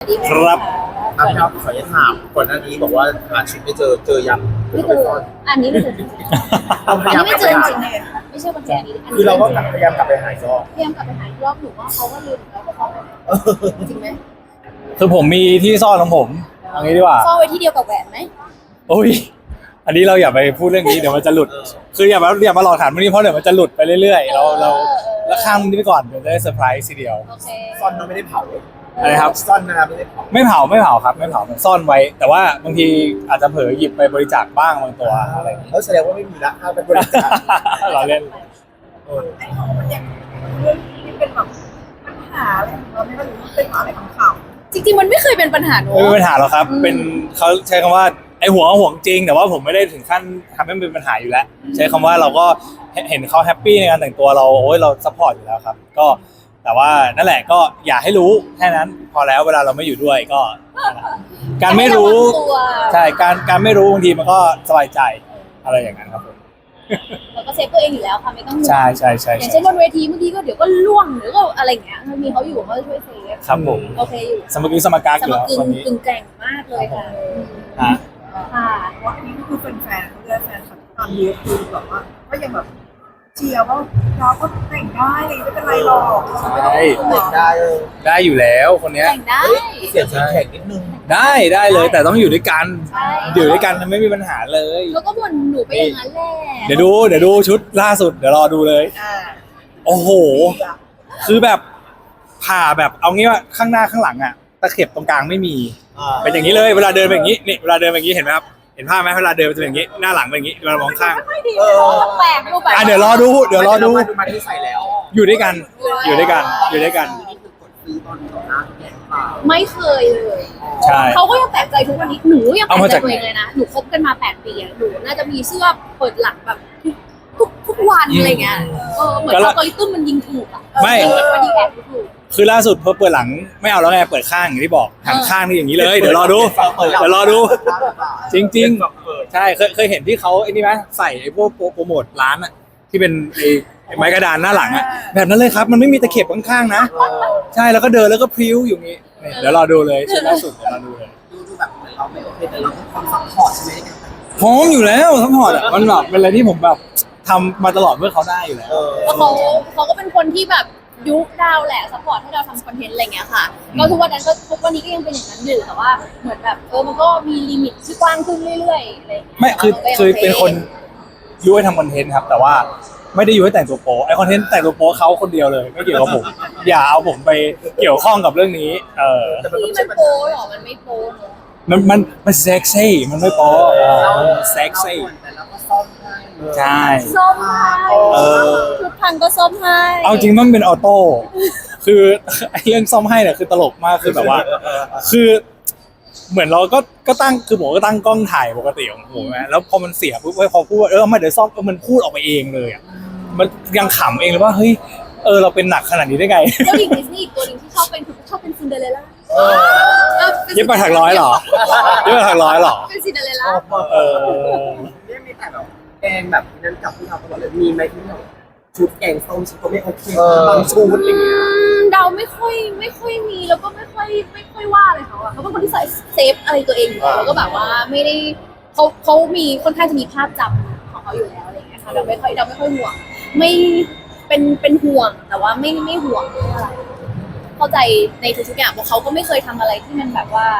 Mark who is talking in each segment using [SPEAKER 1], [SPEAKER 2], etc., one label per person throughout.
[SPEAKER 1] ครับ
[SPEAKER 2] ครับขออนุญาตถามก่อนหน้านี้บอกว่าหาชุดไม่เจอยัง
[SPEAKER 3] ไม่เจออันนี้ไม่เจอจริงๆอันนี้ไม่เจอจริงๆไม่ใช่คนแก่นี้
[SPEAKER 2] คือเราก็พยายามกลับไปหาอีกรอบ
[SPEAKER 3] พยายามกลับไปหาอีกรอบหนูว่าเขาก็ลืมแล้วว่าเขาจริงไหม
[SPEAKER 1] คือผมมีที่ซ่อนของผมเอางี้ดีกว่า
[SPEAKER 3] ซ่อนไว้ที่เดียวกับแหวนไหม
[SPEAKER 1] โอ้ยอันนี้เราอย่าไปพูดเรื่องนี้เดี๋ยวมันจะหลุด คืออย่ามาหลอกถามเรื่องนี้เพราะเดี๋ยวมันจะหลุดไปเรื่อยๆเราข้ามนี้ไปก่อนเดี๋ยวจะได้เซอร์ไพรส์ทีเดียว
[SPEAKER 3] โอเค
[SPEAKER 2] ซ่อนมันไม่ได้เผา
[SPEAKER 1] อะไรครับ
[SPEAKER 2] ซ่อนนะครับไม่ได้เผา
[SPEAKER 1] ไม่เผาครับไม่เผามันซ่อนไว้ แต่ว่าบางทีอาจจะเผลอหยิบไปบริจาคบ้างบางตัวอะไรอย่างนี้
[SPEAKER 2] แล้วแสดงว่าไม่มีละถ้าเป็นบริจาค
[SPEAKER 1] เราเล่น
[SPEAKER 4] ไอ้ของมันยังเรื่องที่เป็นแบบปัญหาอะไรของเราไม่รู้เป็นอะไรของเขา
[SPEAKER 3] จริงๆมันไม่เคยเป็นปัญหาหนู
[SPEAKER 1] ไม่มีปัญหาหรอกครับ เป็นเขาใช้คำว่าไอ้ห่วงจริง แต่ว่าผมไม่ได้ถึงขั้นทำให้มันเป็นปัญหาอยู่แล้ว ใช้คำว่าเราก็เห็นเขาแฮปปี้ในการแต่งตัวเราโอ้ยเราซัพพอร์ตอยู่แล้วครับ ก็แต่ว่านั่นแหละก็อย่าให้รู้แค่นั้นพอแล้วเวลาเราไม่อยู่ด้วยก็ การไม่รู้
[SPEAKER 3] ตัว
[SPEAKER 1] ใช่การไม่รู้บางทีมันก็สบายใจอะไรอย่างนั้นครับผม
[SPEAKER 3] เราก็เซฟตัวเองอยู่แล้วค่ะไม่ต้องห่วง
[SPEAKER 1] ใช่
[SPEAKER 3] อย่างเช่นบนเวทีเมื่อกี้ก็เดี๋ยวก็ล่วงหรือก็อะไรอย่างเงี้ยถ้ามีเขาอยู่เขาจะช่วยเซฟ
[SPEAKER 1] ครับผม
[SPEAKER 3] โอเคอยู่
[SPEAKER 1] สมกี้สมการ
[SPEAKER 3] ส
[SPEAKER 1] อยู่
[SPEAKER 3] ม
[SPEAKER 1] แล้ว
[SPEAKER 3] กึ่ง
[SPEAKER 1] วันนี้
[SPEAKER 3] กึ่งแกร่งมากเลยค่ะ
[SPEAKER 1] ฮะ
[SPEAKER 3] ค่ะ
[SPEAKER 4] เพราะอันนี้ก็คือแฟนๆเขาเรียกแฟนคลับตอนนี้คือแบบว่าก็ยังแบบเชียร์ว่าเราก็แต่งได้เลยไม่เป็นไรหรอก
[SPEAKER 1] ใช่
[SPEAKER 2] เด็กได้
[SPEAKER 1] ได้อยู่แล้วคนเนี้ย
[SPEAKER 3] แต่งได้
[SPEAKER 2] เสียงแข็งนิดนึง
[SPEAKER 1] ได้เลยแต่ต้องอยู่ด้วยกัน
[SPEAKER 3] ใช่
[SPEAKER 1] อยู่ด้วยกันไม่มีปัญหาเลย
[SPEAKER 3] แล้วก็บ่นหนูไปอย่างนั้นแหละ
[SPEAKER 1] เดี๋ยวดูชุดล่าสุดเดี๋ยวรอดูเลย
[SPEAKER 4] อ่า
[SPEAKER 1] โอ้โห คือแบบผ่าแบบเอางี้ว่าข้างหน้าข้างหลังอะตะเข็บตรงกลางไม่มีเป็นอย่างนี้เลยเวลาเดินเป็นอย่างนี้นี่เวลาเดินเป็นอย่างนี้เห็นไหมครับเห็นภาพไหมเวลาเดินจะเป็นอย่างนี้หน้าหลังเป็นอย่างนี้เวลามองข้าง
[SPEAKER 3] แปลกดูแบบ
[SPEAKER 1] เดี๋ยวรอดู
[SPEAKER 2] มาที่ใส่แล้ว
[SPEAKER 1] อยู่ด้วยกันอยู่ด้วยกัน
[SPEAKER 2] นี่คือกดซื้อตอนต่อหน้าแกงเปล่า
[SPEAKER 3] ไม่เคยเลย
[SPEAKER 1] ใช่
[SPEAKER 3] เขาก็ยังแปลกใจทุกวันนี้หนูยังแปล
[SPEAKER 1] เอา
[SPEAKER 3] ก
[SPEAKER 1] มา
[SPEAKER 3] ใจ
[SPEAKER 1] จาก
[SPEAKER 3] ตัวเองเลยนะหนูคบกันมา8 ปีอะหนูน่าจะมีเสื้อเปิดหลังแบบทุกวันอะไรเงี้ยเหมือนอัลกอริทึมมันยิงถูกอะ
[SPEAKER 1] ไม่
[SPEAKER 3] มันยิงแอบถูก
[SPEAKER 1] คือล่าสุดพอเปิดหลังไม่เอาแล้วไงเปิดข้างอย่างที่บอกหันข้างนี่อย่างนี้เลยเดี๋ยวรอดูจริงๆใช่เคยเห็นที่เขาไอ้นี่ไหมใส่ไอ้พวกโปรโมทร้านอะที่เป็นไอ้ไม้กระดานหน้าหลังอะแบบนั้นเลยครับมันไม่มีตะเข็บข้างๆนะใช่แล้วก็เดินแล้วก็พริ้วอยู่งี้นี่เดี๋ยวรอดูเลยชุดล่าสุดเดี๋ยวรอดูเลย
[SPEAKER 2] ดูแบบเหมือนเราไม่โอเคแต่เราก็ความซัพพอร์ตใช่ไหมในการแต่ง
[SPEAKER 1] พร้อมอยู่แล้วทั้งหมดอะมันแบบเป็นอะไรที่ผมแบบทำมาตลอดเพื่อเขาได้อยู่แล้ว
[SPEAKER 3] แล้วเขาก็เป็นคนที่แบบยุคดาวแหละซัพพอร์ตให้เราทำคอนเทนต์อะไรเงี้ยค่ะก็ทุกวันนี้ก็ยังเป็นอย่างนั้นอยู่แต่ว่าเหมือนแบบมันก็มีลิมิตที่กว้างขึ้นเรื่อยๆอะไร
[SPEAKER 1] ไม่คือเป็นคนยุให้ทำคอนเทนต์ครับแต่ว่าไม่ได้ยุให้แต่งตัวโป๊ไอคอนเทนต์แต่งตัวโป๊เขาคนเดียวเลยไม่เกี่ยวกับผม อย่าเอาผมไปเกี่ยวข้องกับเรื่องนี้
[SPEAKER 3] นี่มันโป๊หรอมันไม่โป๊เนอะ
[SPEAKER 1] มันเซ็กซี่มันไม่โป๊เซ็กซี่
[SPEAKER 2] แต่เราก็ซ่อมให้
[SPEAKER 1] ใช่
[SPEAKER 3] ส้มให้ทุกพังก็ส้มให้
[SPEAKER 1] เอาจริงมันเป็นออโต้คือไอเรื่องซ่อมให้เนี่ยคือตลกมากคือแบบว่า คือเหมือนเราก็ตั้งคือผมก็ตั้งกล้องถ่ายปกติของผมนะแล้วพอมันเสียปุ๊บพอพูดว่ามาเดี๋ยวซ่อมมันพูดออกมาเองเลยอ่ะมันยังขำเองเลยว่าเฮ้ยเราเป็นหนักขนาดนี้ได้ไง
[SPEAKER 3] เจ้าหญิงดิสนีย์อีกตัวหนึ่งที่ชอบเป็นซินเดอเรลล่า
[SPEAKER 1] เย็บไปถักร้อยเหรอเย็บไปถักร้อยเหรอ
[SPEAKER 3] เป็นซินเดอเรลล่า
[SPEAKER 2] เนี่ยมีแต่แบบแกงแบบนั้นกับที่เราตลอดเลยมีไหมที่แบบชุดแกงส้มชุดก็ไม่โอเคบางชุดอะไรเงี้ย
[SPEAKER 3] เดาไม่ค่อยมีแล้วก็ไม่ค่อยว่าเลยเขาอะเขาเป็นคนที่ใส่เซฟอะไรตัวเองอยู่แล้วก็แบบว่าไม่ได้เขามีค่อนข้างจะมีภาพจำของเขาอยู่แล้วอะไรอย่างเงี้ยค่ะเราไม่ค่อยห่วงไม่เป็นห่วงแต่ว่าไม่ห่วงอะไรเข้าใจในทุกๆอย่างเพราะเขาก็ไม่เคยทำอะไรที่มันแบบว่าน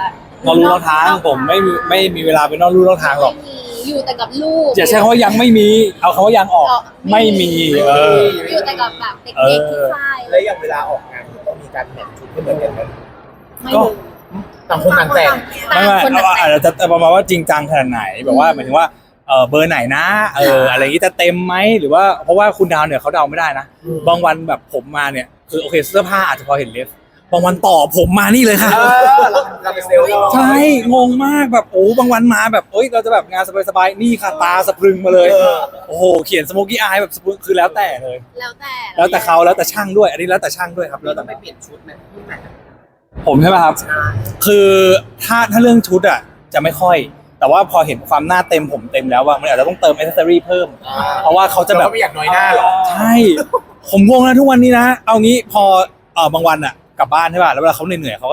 [SPEAKER 1] อกลู่นอกทางผมไม่มีเวลาไปนอกลู่นอกทางหรอก
[SPEAKER 3] ไม่มีอยู่แต่กับลูก
[SPEAKER 1] อย่าใช้คำว่ายังไม่มีเอาคำว่ายังออกไม่มี
[SPEAKER 3] อยู่แต่กับแบบเด็กๆที่ค่าย
[SPEAKER 2] แล้วอย่างเวลาออกงานต้องมีการแมทชุดให้เหมือนกันไหม
[SPEAKER 3] ไม่รู้
[SPEAKER 2] ต่างคนต่างแต่ง
[SPEAKER 1] ไม่อาจจะประมาณว่าจริงจังขนาดไหนแบบว่าหมายถึงว่าเบอร์ไหนนะอะไรอย่างนี้จะเต็มไหมหรือว่าเพราะว่าคุณดาวเนี่ยเขาเดาไม่ได้นะบางวันแบบผมมาเนี่ยคือโอเคเสื้อผ้าอาจจะพอเห็นเลฟบางวันต่อผมมานี่เลยค่ะ
[SPEAKER 2] เราเป็นเซลล์
[SPEAKER 1] ใช่งงมากแบบบางวันมาแบบเราจะแบบงานสบายๆนี่ค่ะตาสะพรึงมาเลยโอ้โหเขียนสโมกี้อายแบบคือแล้วแต่เลย
[SPEAKER 3] แล้วแต่
[SPEAKER 1] เขาแล้วแต่ช่างด้วยอันนี้แล้วแต่ช่างด้วยครับแล้วแต่
[SPEAKER 2] ไม่เปลี่ยนชุดไหมที่ไหน
[SPEAKER 1] ผมใช่ไหมครับคือถ้าเรื่องชุดอ่ะจะไม่ค่อยแต่ว่าพอเห็นความหน้าเต็มผมเต็มแล้วว่ามันอาจจะต้องเติมอิสเซอรี่เพิ่มเพราะว่าเขาจะแบบ
[SPEAKER 2] ไม่อยากน้อยหน้าหรอ
[SPEAKER 1] ใช่ผมงงนะทุกวันนี้นะเอางี้พอบางวันอ่ะกลับบ้านใช่ป่ะแล้วเวลาเขาเหนื่อยๆเขาก็จะทิ้ง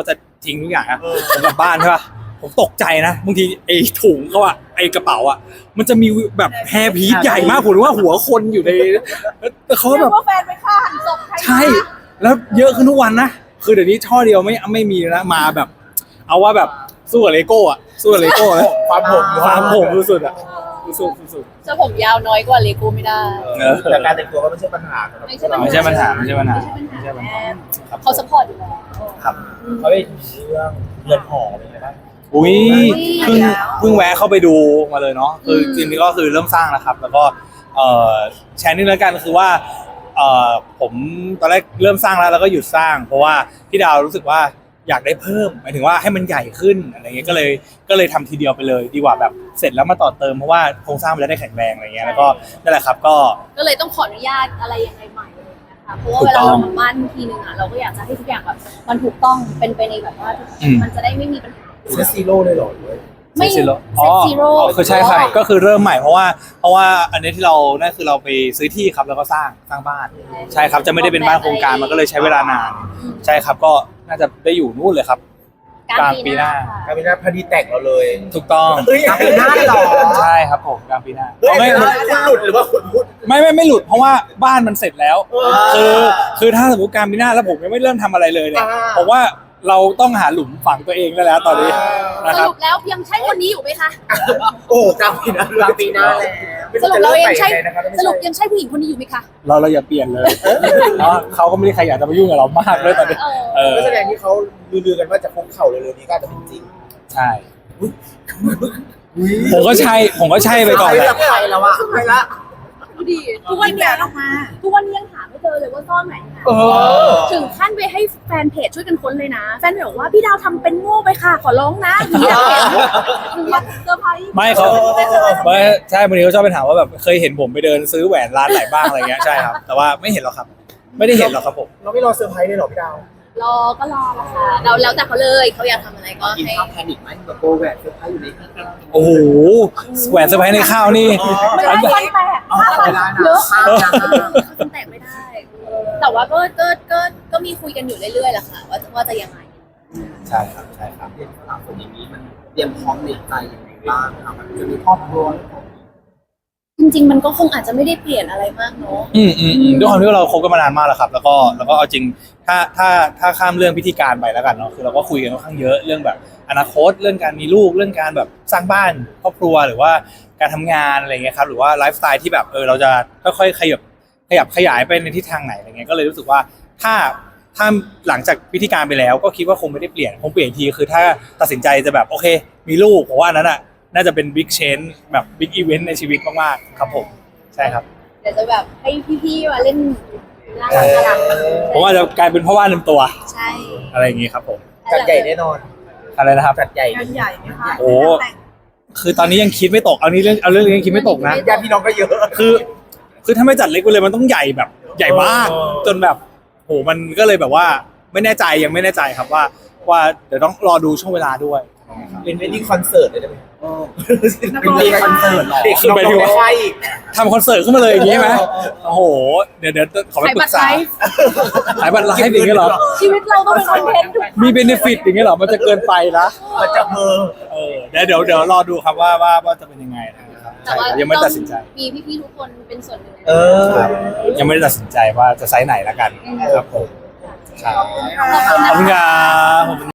[SPEAKER 1] ทิ้งทุกอย่างอะผมกลับบ้านใช่ป่ะผมตกใจนะบางทีไอ้ถุงเขาอะไอ้กระเป๋าอะมันจะมีแบบแฮร์พีซใหญ่มากผมว่าหัวคนอยู่ในแล้วเขา
[SPEAKER 4] เรี
[SPEAKER 1] แบ
[SPEAKER 4] ย
[SPEAKER 1] บ
[SPEAKER 4] กว่าแฟนไปฆ่าหันศพใคร
[SPEAKER 1] ใช่ แล้วเยอะขึ้นทุกวันนะคือเดี๋ยวนี้ช่อเดียวไม่มีแล้วนะมาแบบ เอาว่าแบบสู้กับเลโก้อะสู้กับเลโก้แล้ว
[SPEAKER 2] ความผม
[SPEAKER 1] ความผมสุดๆอะสุด
[SPEAKER 3] จะผมยาวน้อยกว่าเลโก้ไม่ได้
[SPEAKER 2] แต่การแต่งตัวก็ไม่ใช่ปัญหาสำหรับ
[SPEAKER 3] ไม่ใช่ปัญหา
[SPEAKER 1] ไม่ใช่ปัญหา
[SPEAKER 3] ไม่ใช่ปัญหา
[SPEAKER 1] ครับ
[SPEAKER 3] เขาสปอร์ตอยู่แล้ว
[SPEAKER 1] ครับ
[SPEAKER 2] เขาเป็นเรื่องเรือนหอเป็นไงบ้าง
[SPEAKER 1] อุ้ยเพิ่งแวะเข้าไปดูมาเลยเนาะคือจริงๆก็คือเริ่มสร้างแล้วครับ แล้วก็แชร์นิดนึงแล้วกันคือว่าผมตอนแรกเริ่มสร้างแล้วก็หยุดสร้าง เพราะว่าพี่ดาวรู้สึกว่าอยากได้เพิ่มหมายถึงว่าให้มันใหญ่ขึ้นอะไรเงี้ยก็เลยทำทีเดียวไปเลย ดีกว่าแบบเสร็จแล้วมาต่อเติมเพราะว่าโครงสร้างมันจะได้แข็งแรงอะไรเงี้ยแล้วก็นั่นแหละครับก็
[SPEAKER 3] เลยต้องขออนุญาตอะไรยังไงใหม่เลยนะคะเพราะว่าเวลาเราทำบ้านทีนึงอ่ะเราก็อยากจะให้ทุกอย่างแบบมันถูกต้องเป็นไปในแบบว่ามันจะได้ไม่มีปัญหา
[SPEAKER 2] เซซีโร่เลยเหรอ
[SPEAKER 3] ไม่
[SPEAKER 1] เซตซีโร่
[SPEAKER 3] เซตซีโร่
[SPEAKER 1] คือใช่ครับก็คือเริ่มใหม่เพราะว่าอันนี้ที่เรานั่นคือเราไปซื้อที่ครับแล้วก็สร้างบ้านใช่ครับจะไม่ได้เป็นบ้านโครงการมันก็เลยใช้เวลานานใช่ครับก็น่าจะได้อยู่นู่นเลยครับกลางปีหน้า
[SPEAKER 2] กลางปีหน้าพอดีแต่งเราเลย
[SPEAKER 1] ถูกต้อง
[SPEAKER 2] เฮ้ยกลางปีหน้าเลยเหรอ
[SPEAKER 1] ใช่ครับผมกลางปีหน้า
[SPEAKER 2] เฮ้ย
[SPEAKER 1] ไม่
[SPEAKER 2] คุณหลุดหรือว่าคุณพูด
[SPEAKER 1] ไม่หลุดเพราะว่าบ้านมันเสร็จแล้วคือถ้าสมมติกลางปีหน้าแล้วผมยังไม่เริ่มทำอะไรเลยเนี่ยผมว่าเราต้องหาหลุมฝังตัวเองได้แล้วตอนนี้นะ
[SPEAKER 3] ส
[SPEAKER 1] ครับ
[SPEAKER 3] รุปแล้วยังใช่คนนี้อยู่ไหมคะ
[SPEAKER 2] โอ้กลางปีหน้ากลางปีหน้าแล้ว
[SPEAKER 3] สรุปเรายังใช่สรุปยังใช่ผู้หญิงคนนี้อยู่ไหมคะ
[SPEAKER 1] เราอย่าเปลี่ยนเลยเนาะเขาก็ไม่ได้ใครอยากจะมายุ่งกับเรามากเลยตอนนี้เออ
[SPEAKER 2] ก็แสดงที่เขาลือๆกันว่าจะคุกเข่าเร็วๆนี้ก็อาจจะเป็นจริง
[SPEAKER 1] ใช่ผมก็ใช่ไปก่อนแหละ
[SPEAKER 2] ไปแล้วอะไปละ
[SPEAKER 3] ดูดิ
[SPEAKER 4] ทุกวันเดียวออกมา
[SPEAKER 3] ทุกวันนี้ยังหาไม่เจอเลยว่าซ่อนไหนนะถึงขั้นไปให้แฟนเพจช่วยกันค้นเลยนะ แฟนเพจบอกว่าพี่ดาวทำเป็นโง่ไปค่ะ ขอร้องนะหนูอยากเห็นหนูอยากเซอร์ไพรส์
[SPEAKER 1] ไม่เขาไม่ใช่บางทีเขาชอบไปถามว่าแบบเคยเห็นผมไปเดินซื้อแหวนร้านไหนบ้างอะไรเงี้ยใช่ครับแต่ว่าไม่เห็นหรอกครับ ไม่ได้เห็นหรอกครับผม
[SPEAKER 2] เราไม่รอเซอร์ไพรส์เลยหรอพี่ดาว
[SPEAKER 3] รอก็รอละค่ะเราแล้วแต่เขาเลยเขาอยากทำอะไรก็
[SPEAKER 2] กิน
[SPEAKER 3] ให้
[SPEAKER 2] ข้าวแพนิคไหมแบบโกแหวนเซอร์ไพรส์อยู่ในที่
[SPEAKER 1] โอ้โหแหวนเซอร์ไพรส์ในข้าวนี่
[SPEAKER 3] ไม่ได้ฟันแตกเยอะฟันแตกไม่ได้ แต่ว่าก็มีคุยกันอยู่เรื่อยๆแหละค่ะว่าจะยังไง
[SPEAKER 1] ใช่ครับใช่ครับ
[SPEAKER 2] เรียนสาวคนอย่างนี้มันเตรียมพร้อมในใจยังไงบ้างครับมันจะมีครอบครัว
[SPEAKER 3] จริงๆมันก็คงอาจจะไม่ได้เปลี่ยนอะไรมากเนาะ
[SPEAKER 1] ด้วยความที่เราคบกันมานานมากแล้วครับ แล้วก็เอาจริงถ้าข้ามเรื่องพิธีการไปแล้วกันเนาะคือเราก็คุยกันค่อนข้างเยอะเรื่องแบบอนาคตเรื่องการมีลูกเรื่องการแบบสร้างบ้านครอบครัวหรือว่าการทำงานอะไรเงี้ยครับหรือว่าไลฟ์สไตล์ที่แบบเราจะค่อยๆขยับขยายไปในทิศทางไหนอะไรเงี้ยก็เลยรู้สึกว่าถ้าหลังจากพิธีการไปแล้วก็คิดว่าคงไม่ได้เปลี่ยนคงเปลี่ยนทีคือถ้าตัดสินใจจะแบบโอเค มีลูกผมว่านั้นอ่ะน่าจะเป็นบิ๊กเชนแบบบิ๊กอีเวนต์ในชีวิตมากๆครับผมใช่ครับ
[SPEAKER 3] เดี๋ยวจะแบบให้พี่ๆมาเล่นน่ารัก
[SPEAKER 1] ผมว่าจะกลายเป็นพ่อบ้านเต็มตัว
[SPEAKER 3] ใช่
[SPEAKER 1] อะไรอย่างงี้ครับผม
[SPEAKER 2] จัดใหญ่แน่นอน
[SPEAKER 1] อะไรนะครับ
[SPEAKER 2] จัดใหญ่
[SPEAKER 4] งานใหญ่ไหมคะ
[SPEAKER 1] โอ้ คือตอนนี้ยังคิดไม่ตกเอาเรื่องนี้ยังคิดไม่ตกนะ
[SPEAKER 2] ญาติพี่น้องก็เยอะ
[SPEAKER 1] คือถ้าไม่จัดเล็กไปเลยมันต้องใหญ่แบบใหญ่มากจนแบบโหมันก็เลยแบบว่าไม่แน่ใจยังไม่แน่ใจครับว่าเดี๋ยวต้องรอดูช่วงเวลาด้วย
[SPEAKER 2] เป็นเวดดิ้งคอนเสิร์ตเลยได้ไหมเป็นเวดดิ้งคอนเสิร์ตเด็ก
[SPEAKER 1] คือหมายถึงว่า
[SPEAKER 2] ใช่อีก
[SPEAKER 1] ทำคอนเสิร์ตขึ้นมาเลยอย่างนี้ไหมโอ้โหเดี๋ยวขอไป
[SPEAKER 3] ขาย
[SPEAKER 1] ปรึ
[SPEAKER 3] บัต
[SPEAKER 1] ก
[SPEAKER 3] รไล
[SPEAKER 1] ษา
[SPEAKER 3] ฟ์
[SPEAKER 1] ขายบัตรไลฟ์อย่างเงี้ยเหรอ
[SPEAKER 3] ชีวิตเราต้องเป็นคอนเทนต์ทุก
[SPEAKER 1] มีเบนฟิตอย่างเงี้ยเหรอมันจะเกินไปนะ
[SPEAKER 2] มันจะเบอร์
[SPEAKER 1] เดี๋ยวรอดูครับว่าจะเป็นยังไงนะครับ
[SPEAKER 3] แต่ว่า
[SPEAKER 1] ยังไม่ตัดสินใจ
[SPEAKER 3] มีพี่ๆทุกคนเป็นส่วนหนึ่ง
[SPEAKER 1] ครับยังไม่ได้ตัดสินใจว่าจะไซส์ไหนละกันครับผม
[SPEAKER 3] ขอบคุณ
[SPEAKER 1] ขอบคุณ
[SPEAKER 3] นะคะ
[SPEAKER 1] ครับ